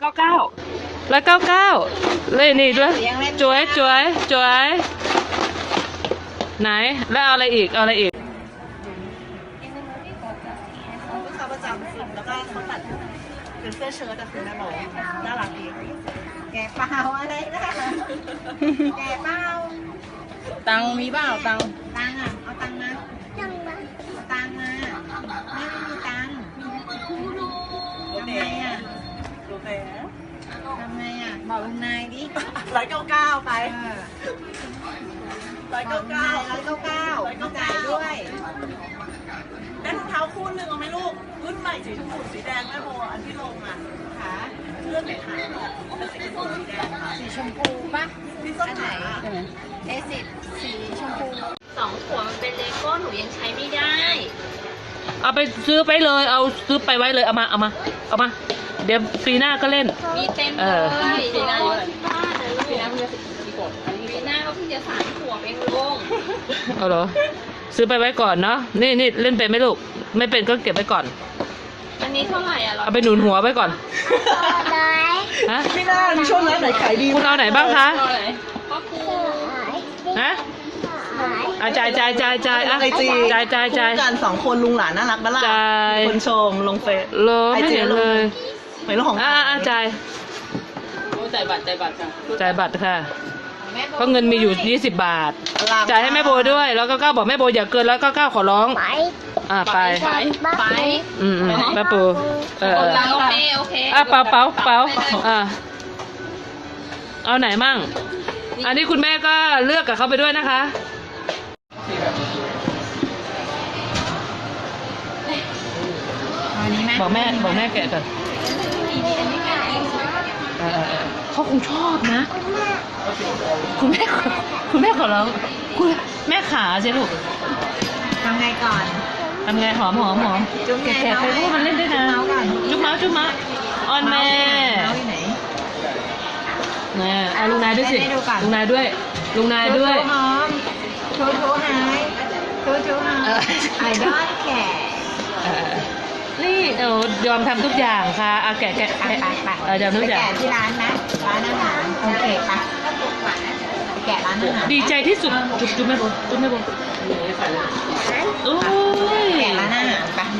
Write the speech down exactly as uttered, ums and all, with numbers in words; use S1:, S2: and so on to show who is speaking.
S1: เก้าเก้าร้อยเก้าเก้าเลยนี่ด้วยจวยจวยจวยไหนแล้วเอาอะไรอีกเอาอะไรอีก
S2: ลูกค้าประจำสุดแล้วก็เขาตัดเป็นเสื้อเชิ้ตแต่คือแม่บอกน่ารักดีแกเปล่าอะไรนะแกเปล่า
S3: ตังมีเปล่าตัง
S2: ตังอ่ะเอาตังมาตังมาเอาตังมาไม่มีตังทำไงอ่ะดูแต่ทำไงอ่ะบอกลุงนายดิร้อยเก้าเก้าไปร้อยเก้าเก้าร้อยเก้าเก้ามาจ่ายด้วยได้รองเท้าคู่หนึ่งเอาไหมลูกรุ่นใหม่สีชมพูสีแดงแม่โมอันที่ลงอ่ะค่ะเลือกไหนคะเป็นสีชมพูสีแดงค่ะ
S3: สีชมพูป่ะ
S2: ที่ส้นไหน
S3: ใช่ไหม
S2: เอสิบสีชมพู
S4: สองขวดมันเป็นเลโก้หนูยังใช้ไม่ได้
S1: เอาไปซื้อไปเลยเอาซื้อไปไว้เลยเอามาเอามาเอามาเดี๋ยวปีหน้าก็เล่น
S4: มีเต็ม
S1: เอ
S4: เล
S1: อ
S4: ยที่บ้านที่บ้านนะลูก
S3: ปีหน้าเพิ่งจะกี่ขวดอันนี้
S4: ปีหน้าก็เพิ่งจะสามขวบเองลุง
S1: เอาเหรอซื้อไปไว้ก่อนเนาะนี่นี่เล่นเป็นไหมลูกไม่เป็นก็เก็บไว้ก่อน
S4: อันนี้เท่าไหร่อ่ะ
S1: เอาไปหนุนหัวไว้ก่อนฮะ
S2: ไม่น่าช่วงนั้นไหนขายดี
S1: คุณเอาไหนบ้างคะ
S4: เท่าไหร่ก็คือ
S1: ฮะอ่ะจ่ายจ่ายจ่ายจ่ายอ่ะ
S2: ไอจี
S1: จ่ายจ่ายจ่าย
S2: กันสองคนลุงหลานน่ารักบ้าล่ะ
S1: จ่าย
S2: คนชมลงเฟซ
S1: โลไม่เห็นเลย
S2: ไม่รู้ของ
S1: อ่ะอ่ะจ่าย
S3: โอ้จ่ายบัตรจ่ายบัตรจ้ะ
S1: จ่ายบัตรค่ะเพราะเงินมีอยู่ยี่สิบบาท
S2: รัก
S1: จ่ายให้แม่โบด้วยแล้วก็ก้าวบอกแม่โบอย่าเกินแล้วก็ก้าวขอร้องอ่ะไป
S4: ไปไป
S1: อืมอืมแม่ปูเออเออ
S4: โอเคโอเค
S1: อ่ะเป๋าเป๋าเป๋า
S4: ไปเลย
S1: อ่ะเอาไหนมั่งอันนี้คุณแม่ก็เลือกกับเขาไปด้วยนะคะบอกแม่บอกแม่แกะก่อนเออเออเออเขาคงชอบนะ คุณแม่ขอคุณแม่ขอร้องคุณแม่ขาใช่ลูก
S2: ทำไงก่อน
S1: ทำไงหอมหอมหอม
S2: จุ๊บไง
S1: แกะไปพูดมันเล่นได้นะ
S2: เมาส์ก่อน
S1: จุ๊บเมาส์จุ๊บเมาส์ออนแม่
S2: เมาส์อยู่ไหน
S1: นะอ่ะลุงนายด้วยสิ
S2: ให้ดูก่อน
S1: ลุงนายด้วยลุงนายด้วย
S2: หอมโชว์โชว์หายโชว์โชว์หาย
S1: เออ
S2: ไอดอลแก่
S1: เออนี่เออยอมทำทุกอย่างค่ะอ่ะแกะแกะ
S2: ไป
S1: แกะ
S2: ไปไป
S1: เออยอมทุกอย่าง
S2: แกะที่ร้านนะร้านอาหารโอเคปะไปแกะร้านอาหาร
S1: ดีใจที่สุดจุ๊บจุ๊บแม่โบจุ๊บแม่โบโอ้ย
S2: แกะร้านอาหารปะ